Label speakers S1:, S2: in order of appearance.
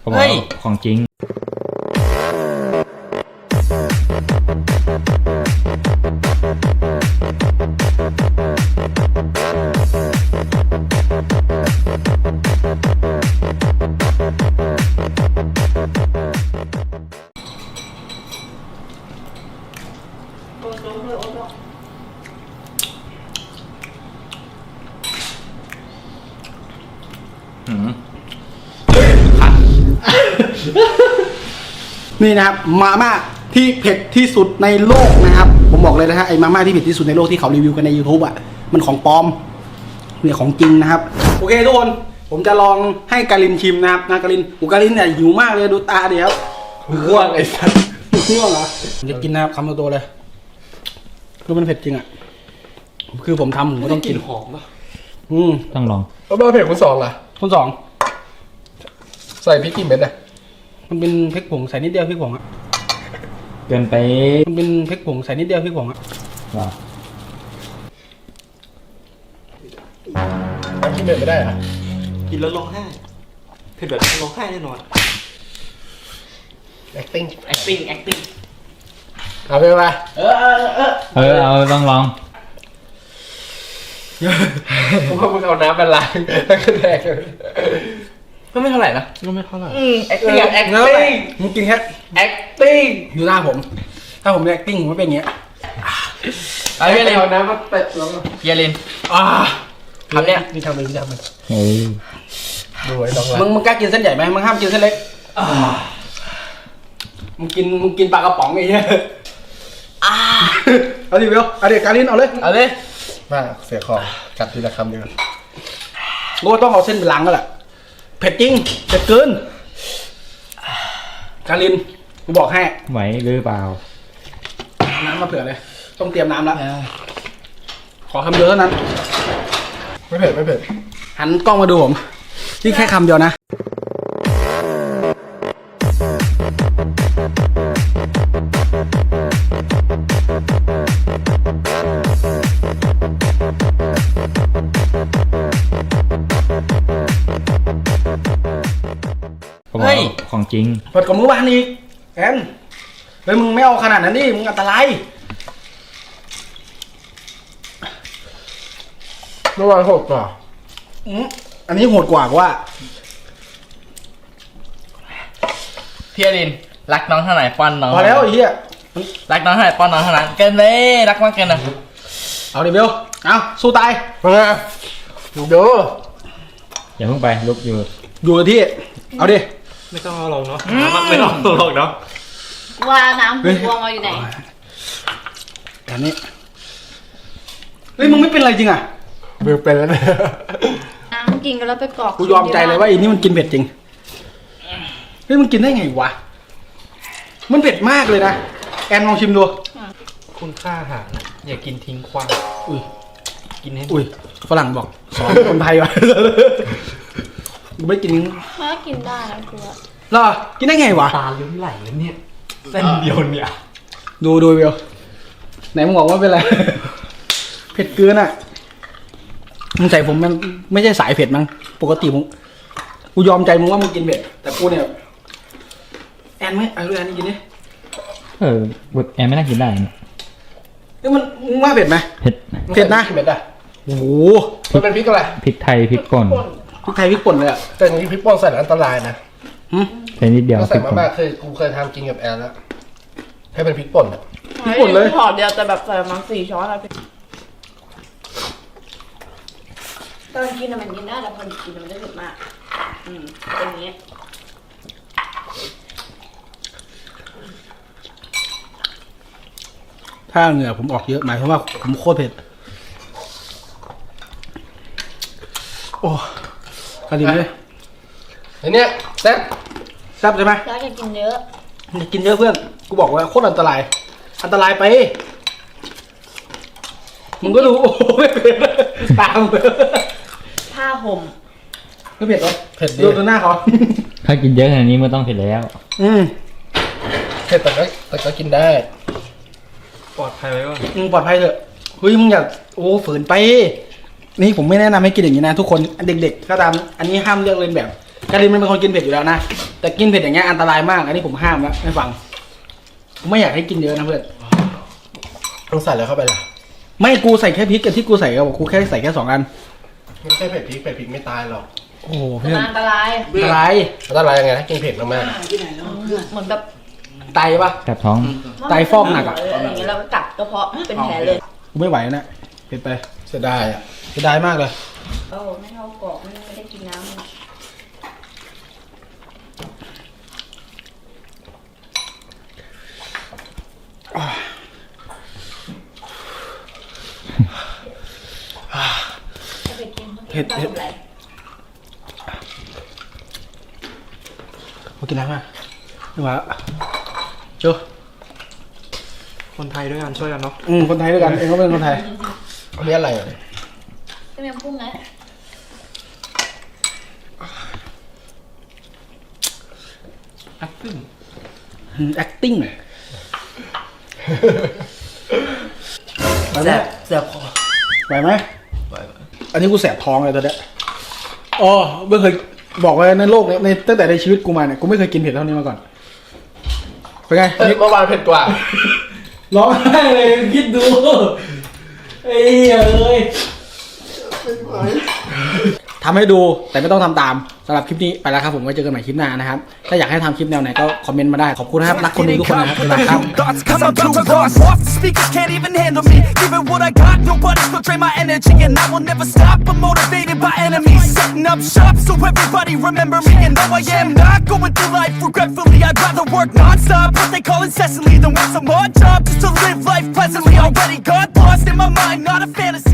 S1: เขาบอกของจริง
S2: นี่นะครับมาม่าที่เผ็ดที่สุดในโลกนะครับผมบอกเลยนะฮะไอ้มาม่าที่เผ็ดที่สุดในโลกที่เขารีวิวกันใน YouTube อ่ะมันของปลอมเนี่ยของจริงนะครับโอเคทุกคนผมจะลองให้กาลินชิมนะครับนะกาลินกาลินเนี่ยหิวมากเลยดูตาเดี๋ยวง่วงไอ้สัสง่วงเหรอผมจะกินนะครับคำโตๆเลยคือมันเผ็ดจริงอ่ะคือผมทำผมก็ต้องกินหอมป่ะ
S1: ต้องลอง
S3: แล้วเบอร์เผ็ดคุณสองล่ะ
S2: คนสอง
S3: ใส่พริกกี่เม็ดอ่ะ
S2: มันเป็นพริกผงใส่นิดเดียวพริกผงอ่ะ
S1: เกินไป
S2: มันเป็นพริกผงใส่นิดเดียวพริกผงอ่ะ
S3: กินเผ็ดไม่ได้อ่ะ
S4: กินแล้วร้องไห้เผ็ดแบบร้องไห้แน่นอน
S3: acting
S4: เอา
S3: ไปมา
S1: เอาต้องลอง
S3: ผมว่ามึงเอาน้ำมาล้างแล้วก็แดก
S4: ก็ไม่เท่าไหร่นะ
S3: ก็ไม่เท่าไหร่
S4: acting
S2: มึงกินแค่
S4: acting
S2: ดูหน้าผมถ้าผม acting ผมไม่เป็นอย่างเงี้ย
S3: เอาเรียนเอาน้ำมาเตะแล้ว
S4: เยลินทำเนี่ย
S2: นี่ทำเลยทำเลย
S3: ดูไอ้น้องละ
S2: มึงกล้ากินเส้นใหญ่ไหมมึงห้ามกินเส้นเล็กมึงกินปลากระป๋องไอ้เหี้ยเอาดิเบลเอาดิการินเอาเลย
S3: มาเสียของกัดทีละคำเดียว
S2: กูต้องเอาเส้นไปล้างแล้วแหละเผ็ดจริงเผ็ดเกินการินกูบอกให้
S1: ไหวหรือเปล่า
S2: น้ำมาเผื่อเลยต้องเตรียมน้ำแล้วขอคำเดียวเท่านั้น
S3: ไม่เผ็ด
S2: หันกล้องมาดูผมนี่แค่คำเดียวนะ
S1: เขาบอกของจริง
S2: เปิดกับมื้อวานอีกแอนเฮ้ยมึงไม่เอาขนาดนั้นดิมึงอันตราย
S3: เมื่อวานโหดกว่า
S2: อันนี้โหดกว่าว่า
S4: พี่อลินรักน้องเท่าไหร่ป้อนน้อง
S2: พอแล้วไอ้เหี้ย
S4: รักน้องเท่าไหร่ป้อนน้องเท่านั้นเกินเลยรักมากเกินนะ
S2: เอาดิเบลเอาสู้ตาย
S3: ดู
S1: อย่าเพิ่งไปลุกอยู่
S2: ที่เอาดิ
S4: ไม่ต้องเอาลงเนาะไม่ต้องเอาลงเนาะ
S5: ว่าน้ำหูวงมาอยู่ไหน
S2: แบบนี้เฮ้ยมึงไม่เป็นไรจริงอ่ะ
S3: เบลเป็นแล้วเนี่ย
S5: น้ำกินกันแล้วไปกรอก
S2: กูยอมใจเลยว่าไอ้นี่มันกินเผ็ดจริงเฮ้ยมันกินได้ไงวะมันเผ็ดมากเลยนะแอนลองชิมดู
S4: คุณค่าอาหารอย่ากินทิ้งคว้างกินให้
S2: ฝรั่งบอกสอนคนไทยวะกูไม่กิน
S5: ถ้ากินได้นะคือ
S2: หรอกินได้ไงวะ
S4: ตาลิ้มไหลแล้วเนี่ยเส้นเดียวเนี่ย
S2: ดูเบลไหนมึงบอกว่าเป็นไรเผ็ดเกินอ่ะมึงใจผมมันไม่ใช่สายเผ็ดมั้งปกติกูยอมใจมึงว่ามึงกินเผ็ดแต่กูเนี่ยแอนไหมเอาด้วยแอนนี่กินดิ
S1: แอนไม่น่ากินได้
S2: นี่มันมึงว่าเผ็ดไหมเผ็ดนะ
S3: เผ็ดอ่ะ
S2: โอ้โห
S3: มันเป็นพริกอะไร
S1: พริกไทยพริกป่น
S2: พริกไทยพริกป่นเลยอ่ะ
S3: แต่นี่พริกป่นใส่อันตรายนะ
S1: ใส่นิดเดียว
S3: ใส่มากๆกูเคยทำกินกับแอนแล้วให้เป็นพริกป่น
S2: พริกป่นเลย
S5: ห่อเดียวแต่แบบใส่มา4 ช้อนอะไรตอนกินมันกินได้แต่พอกินมันจะเผ็ดมากเป็นอย่างนี้
S2: ถ้าเหงื่อผมออกเยอะหมายความว่าผมโคตรเผ็ดโอ้กระดิ่งเลย
S3: อันเนี้ยแซ่
S2: บใช่ไหม
S5: อยากกินเยอะ
S2: อยากกินเยอะเพื่อนกูบอกว่าโคตรอันตรายไปมึงก็รู้โอ้ไม่เผ็ดตาม
S5: ผ้าห่ม
S2: ไม่เผ็ดหรอ
S3: เผ็ด
S2: ดูหน้าเขา
S1: ถ้ากินเยอะขนาดนี้มันต้องเผ็ดแล้ว
S3: เผ็ดแต่ก็กินได้
S4: ปลอดภัยไว้ก่อน
S2: ปลอดภัยเถอะเฮ้ยมึงอย่าฝืนไปนี่ผมไม่แนะนำให้กินอย่างนี้นะทุกคนเด็กๆก็ตามอันนี้ห้ามเลือกเลียนแบบการินมันเป็นคนกินเผ็ดอยู่แล้วนะแต่กินเผ็ดอย่างเงี้ยอันตรายมากอันนี้ผมห้ามแล้วไม่ฟังผมไม่อยากให้กินเยอะนะเพื่อน
S3: ต้องใส่แล้วเข้าไปล่ะ
S2: ไม่กูใส่แค่พริกกับที่กูใส่กับกูแค่ใส่แค่2 อัน
S3: ไม่ใช่เผ็ดพริกไม่ตายหรอก
S2: โอ้โห
S5: มั
S2: เพื่อน
S5: นอันตราย
S2: อะไร
S3: แล้วตายยังไงถ้ากินเผ็ดมาก
S5: เหมือนแบบ
S2: ไตปะ
S1: แสบท้อง
S2: ไตฟอกหนักอะ
S5: อะไรอย่างเงี้ยแล้วก็กัดกระเพาะเป็นแผลเลย
S2: กูไม่ไหวแล้วนะเผ็ดไป
S3: ๆเสียดายอ่ะ
S2: เสียดายมากเลย
S5: โอ้ไม่เท่ากรอกไม่ได้กินน้ำ
S2: เผ็ดเผ็ดมากินน้ำมาไม่ไหวแล้วโจ
S4: คนไทยด้วยกันช่วยกันเนาะ
S2: คนไทยด้วยกันเองก็เป็นคนไทย
S3: อันนี้อะไรอ่ะ
S5: จะมีพุ่งไง
S4: acting
S2: acting
S4: แสบคอ
S2: ไหวไหมอันนี้กูแสบท้องเลยตอนเนี้ยอ๋อไม่เคยบอกไว้ในโลกเนี้ยในตั้งแต่ในชีวิตกูมาเนี่ยกูไม่เคยกินเผ็ดเท่านี้มาก่อนเป็นไง
S3: เมื่อวานเผ็ดกว่า
S2: ร้องไห้เลยคิดดูไอ้เหี้ยเอ้ยทำให้ดูแต่ไม่ต้องทำตามสำหรับคลิปนี้ไปแล้วครับผมไว้เจอกันใหม่คลิปหน้านะครับถ้าอยากให้ทำคลิปแนวไหนก็คอมเมนต์มาได้ขอบคุณนะครับรักคนดูทุกคนนะครับบ๊ายบายครับ
S6: Thoughts, cause I'm too lost. Off the speakers can't even handle me. Giving what I got, nobody's gonna drain my energy. And I will never stop, I'm motivated by enemies. Setting up shop so everybody remember me. And though I am not going through life regretfully, I'd rather work non-stop, what they call incessantly, than work some odd job just to live life pleasantly. Already got lost in my mind, not a fantasy.